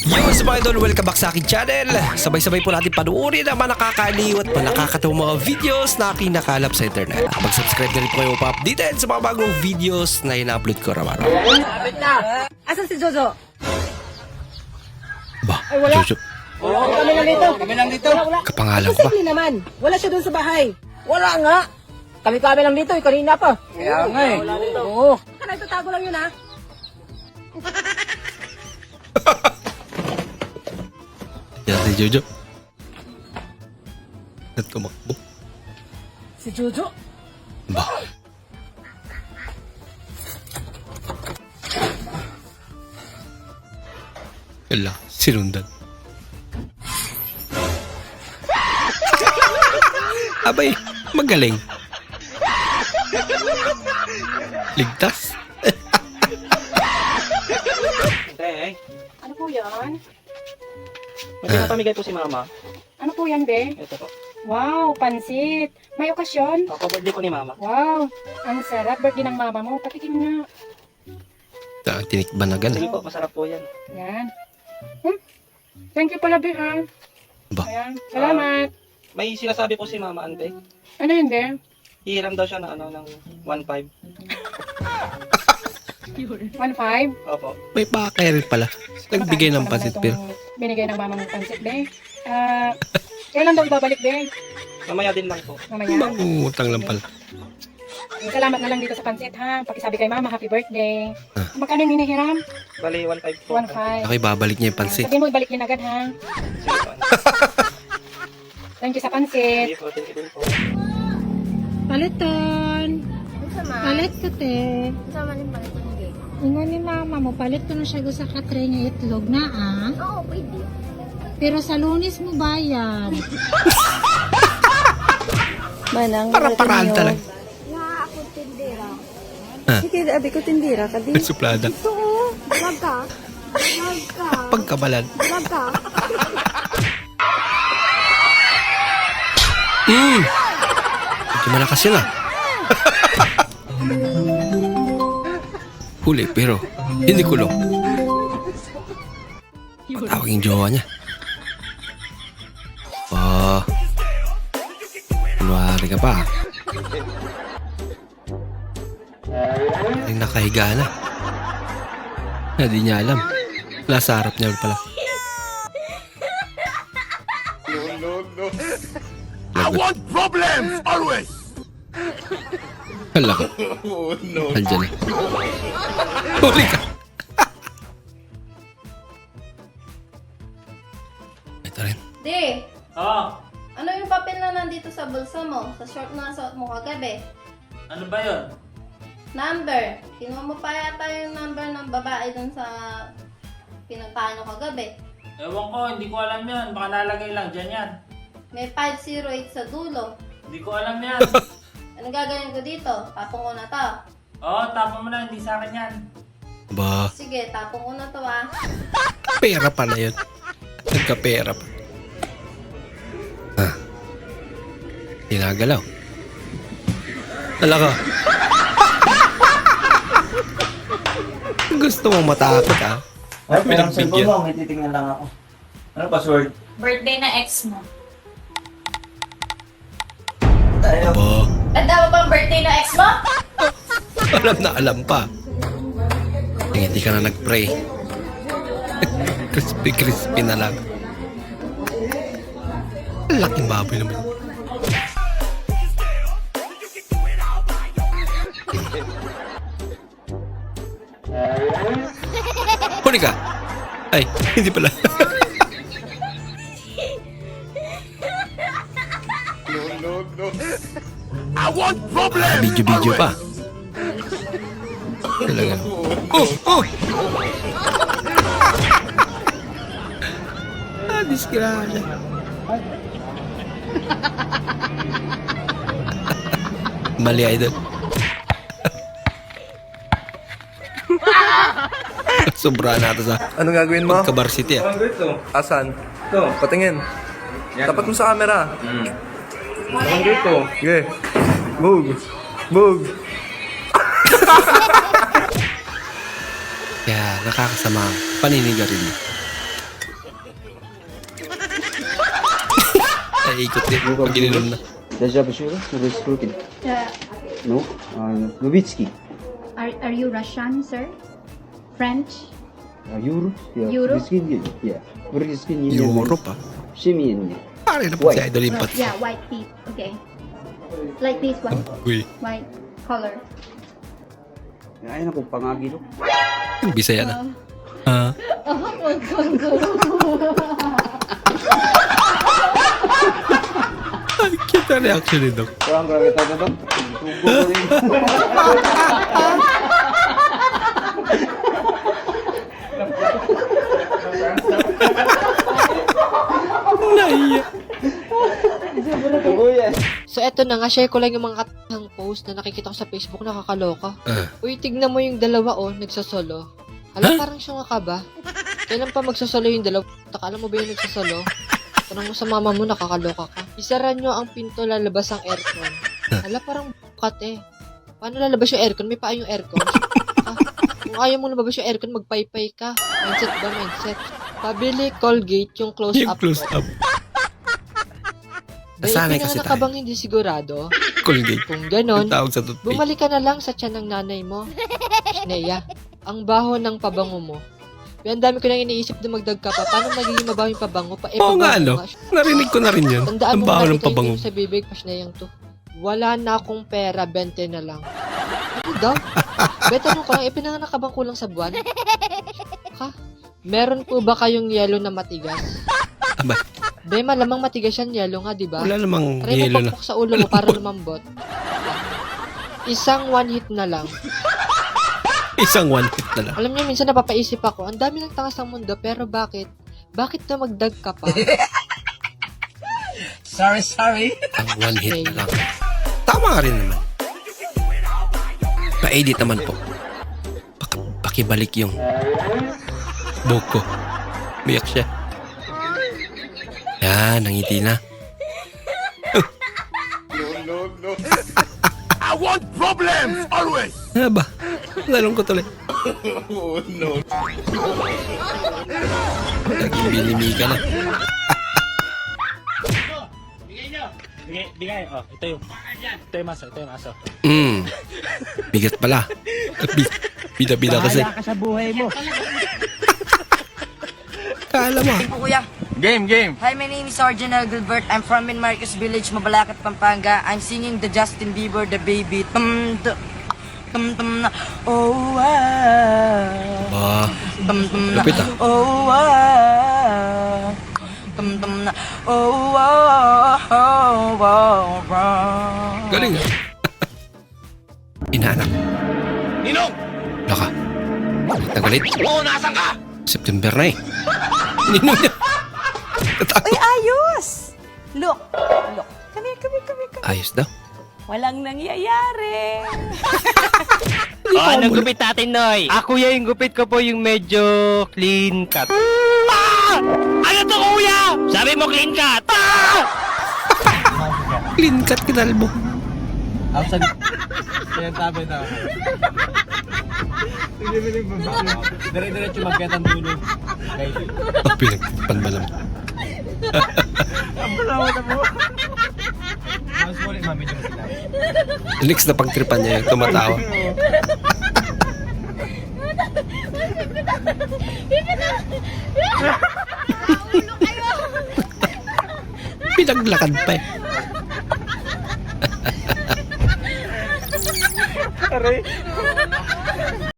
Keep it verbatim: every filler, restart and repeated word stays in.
Yo, sa mga idol, welcome back sa aking channel. Sabay-sabay po natin panuorin ang mga nakakaliw at mga nakakatawang mga videos na kinakalap sa internet. Mag-subscribe na rin po kayo pa-updated sa mga bagong videos na ina-upload ko araw-araw. Asan si Jojo? Ba, Ay, wala. Jojo, Wala. Kami lang dito. Kami lang dito. Wala, wala. kapangalan ko ba? Posible naman. Wala siya doon sa bahay. Wala nga. Kami-kami lang dito. Eh, kanina pa. Kaya nga eh. Oo. Kana, itatago lang yun ha. Yan si Jojo. At tumakbo. Si Jojo. Ba, wala, sinundan. Abay, magaling. Ligtas. Tay, Ano po yan? may pinapamigay po si Mama. Ano po yan, be? Ito po. Wow, pansit. May okasyon? Ako, birthday po ni Mama. Wow, ang sarap. Birthday ng mama mo. Patikim nga. Ta, tinikban na Sige ganun. po, masarap po yan. Yan. Hmm? Thank you pala, be, ha? Ba, Ayan. Salamat. May sinasabi po si Mama, ante. Ano yun, be? Hihiram daw siya ng ano, ng one five. one five? Opo. may pakay rin pala. Nagbigay ng pansit pero Binigay ng mama mong pansit, be. Ah, kailan daw ibabalik, be? Mamaya din lang po. Mamaya. mangungutang lang pala. Salamat na lang dito sa pansit, ha? Pakisabi kay mama, happy birthday. Ah. Magkano yung hinihiram? Bali, one five po. one five. Ako ibabalik niya yung pansit. Sabihin mo, ibalik din agad, ha? Sige po. Thank you sa pansit. Sige po, thank you din po. Paliton. Palit ka, te. Sama rin pala ito ng gate. Ingon ni mama mo, palit ko na siya sa katre niya itlog na, ah. Oo, pwede. Pero sa lunis mo bayad. Manang, Para paraan talaga. Nga ako tindera. sige, abi ko tindira ka din. May suplada. Oo, vlog ka. Vlog ka. Pagkabalan. Vlog ka. Mm. Medyo malakas yun ah. Huli pero hindi kulong. Patawag yung jowa niya. Oh. Kunwari ka pa. Ay nakahiga na. Hindi niya alam. Nasa harap niya pala. I want problems always. Hala ka. Oh no. Andiyan na. Huli ka. Ito rin. Di, Oo, ano yung papel na nandito sa bulsa mo? Sa short na suot mo kagabi? ano ba yun? Number. Kinuha mo pa yata yung number ng babae dun sa pinuntahan nyo kagabi. Ewan ko, hindi ko alam yan. Baka nalagay lang dyan yan. May five oh eight sa dulo. Hindi ko alam yan. Anong gagawin ko dito? Tapong ko na to. Oo, tapon mo na, hindi sa akin yan. Ba, Sige, tapong ko na to ah. pera pa na yun. Nagka-pera pa. Ah. Tinagalaw. Hala ka. Gusto mong matakot ah. Ay, Pinagbigyan. cellphone mo, may titingnan lang ako. Ano password? Birthday na ex mo. Tayo. Ba, Tanda mo bang birthday na ex mo? alam na alam pa. Eh, hindi ka na nag-pray. Crispy-crispy na lang. Laking baboy naman. Huli ka! Ay, hindi pala. No, no, no. I want problems. Video-video pa. Talaga. Oh! Oh! Ah, disgrasya. Mali idol. Sobra na ito sa Anong gagawin mo? Kabar City ah. Ano ito? Asan? Ito. Patingin. Tapat mo sa camera. Ano ito? Okay. Bug. Bug. Kaya nakakasama ang paninigarilyo. Naiikot din. Pag ininom na. Deja Bashura, Rukin. Uh, No? Uh, Novitsky. are, are you Russian, sir? French? Uh, Euro? Yeah. Euro? Rukin, yeah. Rukin, yeah. Europe ah. Shimin. Pare na po si Idol Impat. Yeah, white teeth. Okay. Like this one. Uy, White color. Ay, naku, pangagilo. yung Bisaya na. Ah. Ay, cute na reaction ni Doc. Kurang grabe tayo doon. Tugo ko rin. Naiya. Tugo yan. So eto na nga, share ko lang yung mga katang post na nakikita ko sa Facebook, nakakaloka. Ah. Uy, tignan mo yung dalawa oh, nagsasolo. Alam, parang siyang ka ba? Kailan pa magsasolo yung dalawa? Taka, alam mo ba yung nagsasolo? Tanong mo sa mama mo, nakakaloka ka. Isara nyo ang pinto, lalabas ang aircon. Hala, parang bukat eh. Paano lalabas yung aircon? May paa yung aircon. Ah, kung ayaw mo lumabas yung aircon, magpaypay ka. Mindset ba, mindset? Pabili Colgate yung close Yung up. close up. Nasanay kasi ka tayo. bang hindi sigurado? Colgate. Kung ganon, Yung tawag sa toothpaste. bumalik ka na lang sa tiyan ng nanay mo. Neya, ang baho ng pabango mo. Kaya ang dami ko nang iniisip na magdag ka pa. Paano magiging mabaho yung pabango pa? Eh, Oo nga, pabango ano? nga. Narinig ko na rin yun. Tandaan Ang mo baho na ng ito pabango. yung sa bibig, pas na yung to. Wala na akong pera, bente na lang. Ano daw? Beta tanong ko lang, ipinanganak ka bang kulang sa buwan? Ha? Meron po ba kayong yelo na matigas? Aba, Be, malamang matigas yan, yelo nga, di ba? wala namang Try yelo mo na. pakpok sa ulo mo para lumambot. Isang one hit na lang. Isang one hit na lang. Alam niyo, minsan napapaisip ako, ang dami ng takas ng mundo, pero bakit? Bakit na magdag ka pa? Sorry, sorry. Ang one hit na lang. Tama nga rin naman. Pa-edit naman po. Pak- pakibalik yung buhok ko. Biyak siya. Yan, nangiti na. No, no, no. I want problems always. Ano ba? Lalong ko tuloy. Oh no. Naging binimi ka na. Bigay, bigay. Oh, ito yung, ito yung maso, ito yung maso. Hmm. Bigat pala. Bi- Bida-bida kasi. ka sa buhay mo. Kala mo. Kuya. Game, game. Hi, my name is Sergeant Gilbert. I'm from in Marcos Village, Mabalacat, Pampanga. I'm singing the Justin Bieber, the baby. Tum, tum, tum, tum, na. Oh, ah. Ba, Tum, tum, na. lupit ah. Oh, ah. Tum, tum, na. Oh, ah. Oh, oh, ah. Galing ah. Inaanak. Ninong! Laka. Nagalit. Oo, nasan ka? September na eh. Ninong niya. Uy, ayos! Look, look. Come here, come here, come here, come here. Ayos daw. Walang nangyayari. Oh, anong gupit natin, Noy? Ah, kuya, yung gupit ko po yung medyo clean cut. Ah! Ano to, kuya? Sabi mo clean cut. Ah! Clean cut kinalbo. Outside. Kaya tabi na. Dire-diretso magkatang dulo. Guys. Oh, pinagpan ba naman? Ang balawa na po. Mas muli, mami, yung sila. Next na pagtripan niya yung tumatawa. Pinaglakad pa eh. Aray.